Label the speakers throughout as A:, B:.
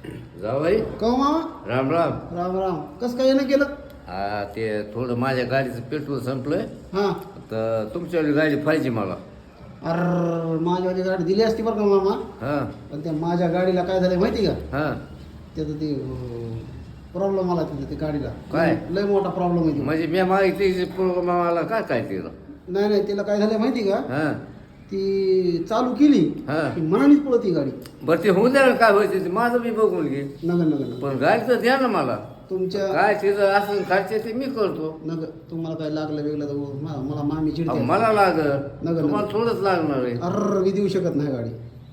A: जावई
B: कहो मामा.
A: राम राम.
B: राम राम. कसं काय येणं केलं?
A: हा ते थोडं माझ्या गाडीचं पेट्रोल संपलंय
B: हां.
A: तर तुमच्यावाली गाडी पाहिजे मला.
B: अरे माझ्यावाली गाडी दिली असती बरं का मामा.
A: हां
B: पण त्या माझ्या गाडीला काय झालं माहिती का?
A: हां.
B: त्याचं ते प्रॉब्लेम आला तिथे ते गाडीला.
A: काय?
B: लय मोठा प्रॉब्लेम आहे तो.
A: म्हणजे मी मागितली प्रोग्राम मला काय तिला.
B: नाही नाही तिला काय झालं माहिती का?
A: हां
B: ती चालू केली
A: हां.
B: की मनानेच पळत ती गाडी.
A: बरं ते होऊन द्या ना काय व्हायचं ते माझं मी बघून घे.
B: नग नग नग
A: पण गाडीचं द्या ना मला.
B: तुमच्या
A: काय तिचं असं खर्च ते मी करतो.
B: नग तुम्हाला काय लागलं वेगळं तर मला मामी
A: अहो,
B: चिडते.
A: मला लागल
B: नगर.
A: तुम्हाला थोडंच लागणार आहे.
B: अर मी देऊ शकत नाही गाडी.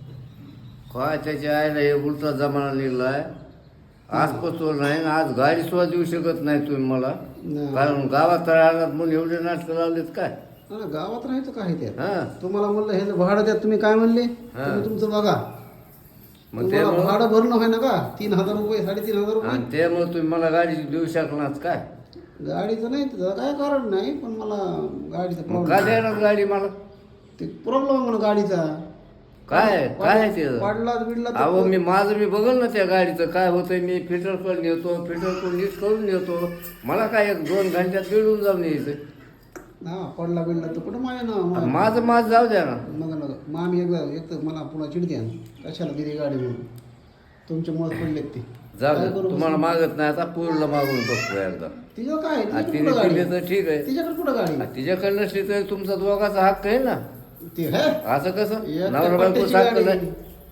A: काय त्याच्या आईला हे उलटा जमाना लिहिलाय. आज पचवल नाही आणि आज गाडी सुद्धा देऊ शकत नाही तुम्ही मला.
B: नाही.
A: कारण गावात राहणार म्हणून एवढे नाटकं लावलेत काय.
B: ना गावात राहायचं काय ते?
A: हां
B: तुम्हाला म्हणलं हे भाडं द्या तुम्ही काय म्हणले?
A: हां.
B: तुम्ही तुमचं बघा.
A: मग
B: तुम्हाला
A: त्यामुळं
B: भाडं भरणं आहे ना का? 3,000 रुपये 3,500 रुपये.
A: आणि त्यामुळे तुम्ही मला गाडी देऊ शकणार काय.
B: गाडीचं नाही त्याचं काय कारण नाही पण मला गाडीचा
A: मग काय
B: प्रॉब्लेम
A: देणार गाडी मला.
B: ते प्रॉब्लेम आहे म्हणून गाडीचा.
A: काय काय आहे ते.
B: पाडला बिडला तर-
A: अहो माझं मी बघल ना त्या गाडीचं काय होतंय. मी फिल्टर नेतो फिल्टर नीट करून नेतो. मला काय 1-2 घंट्यात मिळून जाऊन यायचं.
B: हा पडला बिडला तर कुठं माझ्या ना
A: माझं जाऊ द्या ना.
B: नका मामी एक तर मला पुन्हा चिडते कशाला दिली गाडी म्हणून. तुमच्या मुळात पडलेत ते.
A: जाऊ
B: काय
A: दे
B: करू
A: तुम्हाला मागत नाही आता पूर्ण मागून बघतो एकदा.
B: तिचं काय
A: आणि
B: तिच्याकडे
A: तिने
B: कुठं गाडी?
A: दिली तर ठीक आहे.
B: तिच्याकडे कुठं गाडी?
A: आणि तिच्याकडे नसली तर तुमचा दोघाचा हक्क आहे ना.
B: ते हे
A: असं कसं
B: एक
A: नवरा
B: तर
A: बायकोचा
B: पट्ट्याची
A: हक्क
B: गाडी.
A: नाही.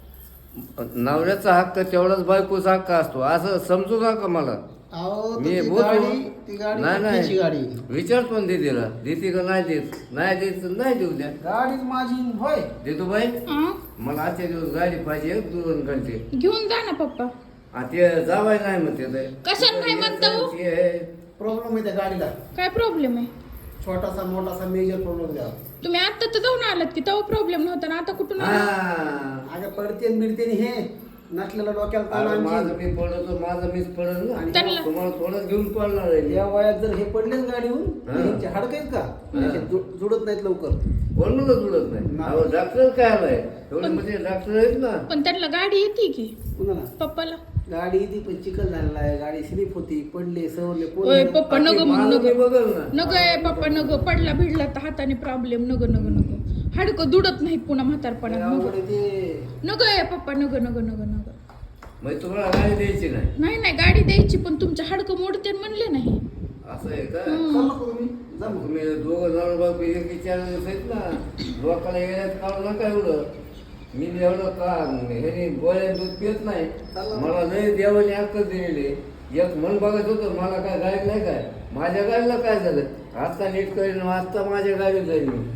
A: नवऱ्याचा हक्क तेवढाच बायकोचा हक्क असतो असं समजू नका मला.
B: अहो, तर
A: मी
B: ती
A: बोलतो.
B: ती गाडी
A: नाही
B: पट्ट्याची गाडी.
A: विचारतो ना दीदीला देते का नाही देत. नाही देत तर नाही देऊ द्या.
B: गाडीच माझी होय.
A: देतो बाई
C: हं?
A: मला आजच्या दिवस गाडी पाहिजे 2 घंटे.
C: घेऊन जा ना पप्पा.
A: आणि ते जावाय नाही म्हणते ते.
C: कशाला नाही म्हणता हो?
A: ते
B: प्रॉब्लेम आहे त्या गाडीला.
C: काय प्रॉब्लेम आहे?
B: छोटासा मोठासा मेजर प्रॉब्लेम द्या.
C: तुम्ही आता तर जाऊन आलात की तेव्हा प्रॉब्लेम नव्हता ना आता कुठून आला?
A: हा.
B: अगं पडते बिडते हे नसलेलं डोक्याला ताण
A: अरे माझं
B: आणखी.
A: मी पडतो माझं मीच पडल ना.
C: त्यांना-
A: तुम्हाला थोडंच घेऊन पडणार आहे.
B: या वयात जर हे पडलेच गाडीहून
A: हा.
B: ह्यांचे हाडकं आहेत का? हे जुडत नाहीत लवकर.
A: कोण मला जुळत नाही.
B: नाही.
A: अहो डॉक्टर काय आलाय एवढे म्हणजे डॉक्टर आहेत ना.
C: पण त्यांना गाडी येते की
B: कुणाला?
C: पप्पाला?
B: गाडी ती पण चिखल झालेला आहे. गाडी स्लिप होती पडले सवरले
C: ओय पप्पा
A: आणि
C: नग
A: ते
C: म्हणू
A: माझं मी
C: नग
A: बघल ना.
C: नग आहे पप्पा नग पडला भिडला तर हाताने प्रॉब्लेम नग नग नग हाडकं दुडत नाही पुन्हा म्हातारपणात नग
B: अवघड आहे ते.
C: नग आहे पप्पा नग नग नग नग
A: म्हणजे तुम्हाला गाडी द्यायची नाही
C: नाही नाही गाडी द्यायची पण तुमच्या हाडकं मोडते म्हणले नाही.
A: असं आहे का.
B: चाल नको तुम्ही. जा मग.
A: तुम्ही दोघं जण बाबू एक विचारले आहेत ना. लोकांना येण्यात काढू नका एवढं. मी एवढं का हे गोळ्या दूध पित नाही. मला लय देवाने हक्क दिलेले. एक मन बघत होतं मला काय गाडी नाही काय. माझ्या गाडीला काय झालं आत्ता नीट करेन आत्ता माझ्या गाडीत जाईल मी.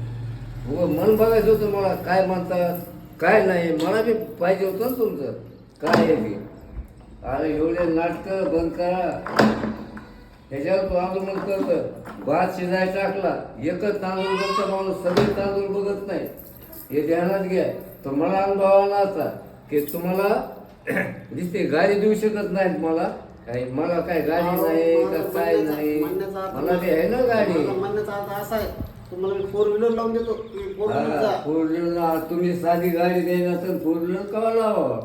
A: मन बघायचं होतं मला काय म्हणतात काय नाही. मला बी पाहिजे होतं ना तुमचं काय आहे ते. अरे एवढे नाटकं बंद करा. ह्याच्यावर तू आंदोलन करतं. भात शिजायला टाकला एकच तांदूळ बघतं माणूस सगळे तांदूळ बघत नाही. हे ध्यानात घ्या. तर मला अनुभव आला होता की तुम्हाला दिसते गाडी देऊ शकत नाहीत मला. काही मला काय गाडी नाही का काय नाही. मला ते आहे ना गाडी.
B: माझा म्हणण्याचा अर्थ असा आहे तुम्हाला मी 4 व्हीलर लावून देतो. तुम्ही 4 व्हीलर जा.
A: 4 व्हीलर तुम्ही साधी गाडी द्यायला तर 4 व्हीलर कवा लावा.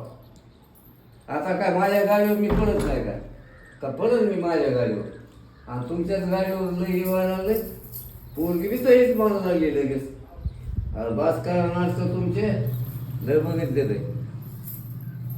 A: आता काय माझ्या गाडीवर मी पडत नाही काय का पडत मी माझ्या गाडीवर. आणि तुमच्याच गाडीवर लई व्हायला लागले. पोरगी बी तरीच म्हणू लागली लगेच. अरे बास करा नाटकं तुमचे लय बघितले ते.